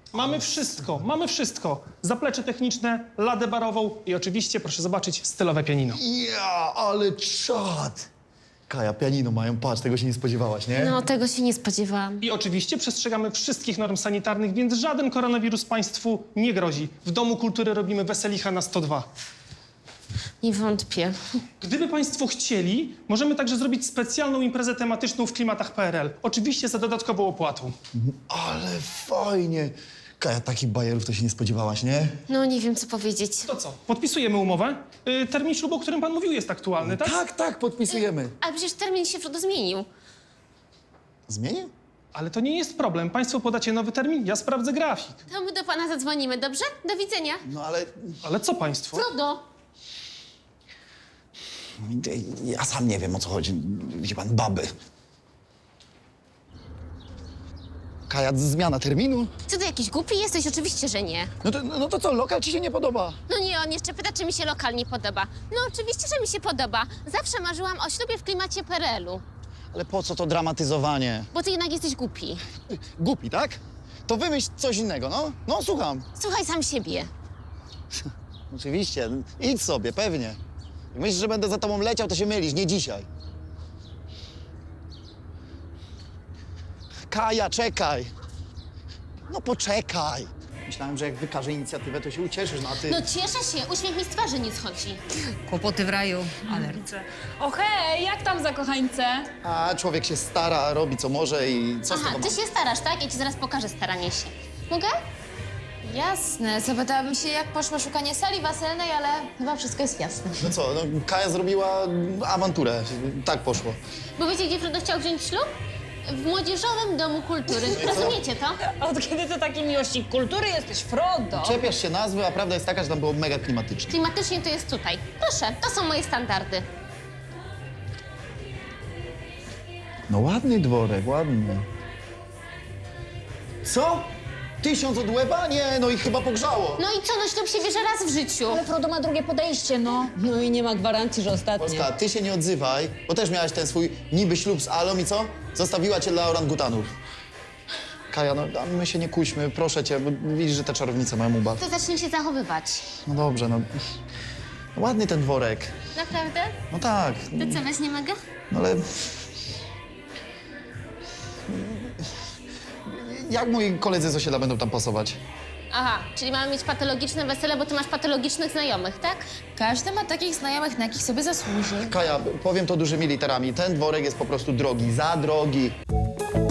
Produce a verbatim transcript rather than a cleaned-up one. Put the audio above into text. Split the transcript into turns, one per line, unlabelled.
Mamy wszystko, mamy wszystko. Zaplecze techniczne, ladę barową i oczywiście, proszę zobaczyć, stylowe pianino.
Ja, ale czad! Kaja, pianino mają, patrz, tego się nie spodziewałaś, nie?
No, tego się nie spodziewałam.
I oczywiście przestrzegamy wszystkich norm sanitarnych, więc żaden koronawirus państwu nie grozi. W Domu Kultury robimy weselicha na sto dwa.
Nie wątpię.
Gdyby państwo chcieli, możemy także zrobić specjalną imprezę tematyczną w klimatach P R L. Oczywiście za dodatkową opłatą.
Ale fajnie! Kaja, takich bajerów to się nie spodziewałaś, nie?
No, nie wiem, co powiedzieć.
To co, podpisujemy umowę? Yy, termin ślubu, o którym pan mówił, jest aktualny, tak?
Tak, tak, podpisujemy.
Ale przecież termin się Frodo zmienił.
Zmienię?
Ale to nie jest problem. Państwo podacie nowy termin, ja sprawdzę grafik.
To my do pana zadzwonimy, dobrze? Do widzenia.
No ale...
Ale co państwo?
Frodo!
Ja sam nie wiem, o co chodzi. Widzi pan, baby. Kaja, zmiana terminu?
Co ty, jakiś głupi jesteś? Oczywiście, że nie.
No to, no to co, lokal ci się nie podoba?
No nie, on jeszcze pyta, czy mi się lokal nie podoba. No oczywiście, że mi się podoba. Zawsze marzyłam o ślubie w klimacie P R L-u.
Ale po co to dramatyzowanie?
Bo ty jednak jesteś głupi.
Głupi, tak? To wymyśl coś innego, no. No, słucham.
Słuchaj sam siebie.
Oczywiście, idź sobie, pewnie. Jak myślisz, że będę za tobą leciał, to się mylisz, nie dzisiaj. Kaja, czekaj. No poczekaj. Myślałem, że jak wykażę inicjatywę, to się ucieszysz, no a ty...
No cieszę się, uśmiech mi z twarzy nie schodzi.
Kłopoty w raju, alerce. O hej, jak tam zakochańce?
A człowiek się stara, robi co może i co z
Aha,
tego
ty
ma?
się starasz, tak? Ja ci zaraz pokażę staranie się. Mogę?
Jasne, zapytałabym się, jak poszło szukanie sali weselnej, ale chyba wszystko jest jasne.
No co, no Kaja zrobiła awanturę. Tak poszło.
Bo wiecie, gdzie Frodo chciał wziąć ślub? W Młodzieżowym Domu Kultury. Rozumiecie to?
Od kiedy ty taki miłośnik kultury jesteś, Frodo?
Czepiasz się nazwy, a prawda jest taka, że tam było mega klimatycznie.
Klimatycznie to jest tutaj. Proszę, to są moje standardy.
No ładny dworek, ładny. Co? Tysiąc od łeba? Nie, no i chyba pogrzało.
No i co, no ślub się bierze raz w życiu.
Ale Frodo ma drugie podejście, no.
No i nie ma gwarancji, że ostatnie.
Polska, ty się nie odzywaj, bo też miałaś ten swój niby ślub z Alą i co? Zostawiła cię dla orangutanów. Kaja, no a my się nie kuśmy, proszę cię, bo widzisz, że te czarownice mają ubaw.
To zacznij się zachowywać.
No dobrze, no. Ładny ten dworek.
Naprawdę?
No tak,
To co, weź nie mogę?
no ale... Jak moi koledzy z osiedla będą tam pasować?
Aha, czyli mamy mieć patologiczne wesele, bo ty masz patologicznych znajomych, tak?
Każdy ma takich znajomych, na jakich sobie zasłuży.
Kaja, powiem to dużymi literami, ten dworek jest po prostu drogi, za drogi.